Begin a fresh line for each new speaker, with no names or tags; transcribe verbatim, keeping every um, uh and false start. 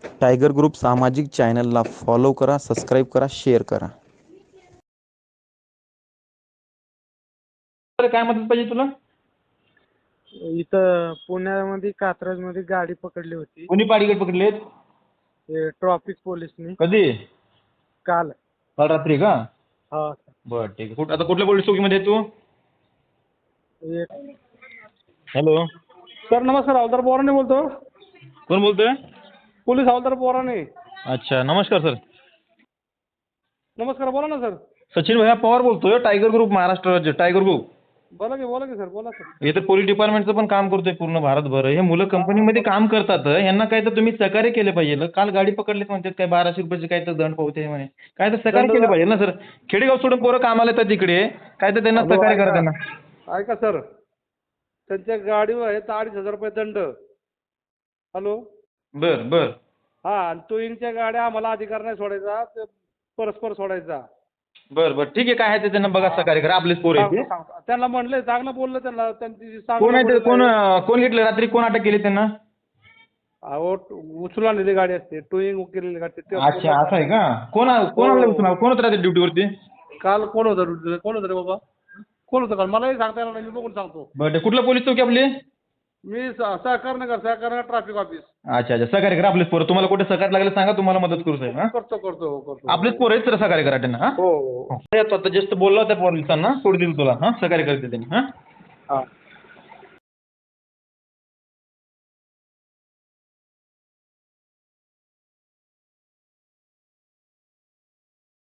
Tiger group सामाजिक चॅनलला follow करा, सबस्क्राईब करा, शेअर करा.
काय मदत पाहिजे तुला?
इथं पुण्यामध्ये कात्रजमध्ये गाडी पकडली होती.
कोणी पाडीगड पकडलेत?
ते ट्रॉफिक पोलिसनी
कधी?
काल.
काल रात्री का?
हा.
बरं ठीक आहे. कुठं आता कुठल्या पोलीस चौकीमध्ये आहे तू?
एक
हॅलो,
सर नमस्कार, हवालदार बोराने बोलतो.
कोण बोलतोय?
पोलीस हवालदार बोराने.
अच्छा, नमस्कार सर.
नमस्कार, बोला ना सर.
सचिन भैया पवार बोलतोय, टायगर ग्रुप महाराष्ट्र राज्य टायगर ग्रुप.
बोला की बोला की सर, बोला सर.
इथे पोलीस डिपार्टमेंटचं पण काम करतोय पूर्ण भारतभर. हे मुलं कंपनीमध्ये काम करतात, यांना काय तर तुम्ही सहकार्य केले पाहिजे. काल गाडी पकडलीत म्हणतात, काय बाराशे रुपयाचे काय तर दंड पावते म्हणे. काय तर सहकार्य केलं पाहिजे ना सर. खेडेगाव सोडून पोरं कामाला येतात तिकडे, काय तर त्यांना
हॅलो,
सहकार्य करा
ऐका.
त्यांना.
ऐका सर, त्यांच्या गाडीवर आहे तर अडीच हजार रुपये दंड. हॅलो.
बर बर
हा, आणि टोईंगच्या गाड्या आम्हाला अधिकार नाही सोडायचा, ते परस्पर सोडायचा.
बर बर ठीक आहे. काय आहे ते त्यांना बघा, सहकार्य करा. आपलेच पोरं आहेत ते.
सांगतो, सांगतो. त्यांना म्हणलंय, चांगलं बोललं त्यांना. त्यांची
कोण आहे ते?
चांगलं
कोण
बोलणं
कोण घेतलं रात्री? कोण अटक केली त्यांना?
अहो, उचलून आणलेली गाडी असते, टोईंग केलेली गाडी असते. ते
अच्छा, असं आहे का? कोण कोण
हो.
आणलं उचलून? कोण होतं रात्री ड्युटीवरती?
काल कोण होतं ड्युटीला? कोण होतं रे बाबा? कोण होतं काल? मलाही सांगता येणार नाही, मी बघून सांगतो.
बरं, कुठलं पोलीस चौकी आपली?
मी स- सहकारनगर सहकारनगर ट्रॅफिक ऑफिस.
अच्छा अच्छा, सहकार्य करा. आपलेच पोरं. तुम्हाला कुठे सहकार्य लागलं सांगा, तुम्हाला मदत करू साहेब. हा,
करतो करतो हो, करतो.
आपलेच पोरं आहेत तर सहकार्य करा त्यांना. हा
हो हो
हो. आता जस्ट बोलला होता पोलिसांना, सोड दिलं तुला. हा, सहकार्य करते त्यांनी. हा.
हा.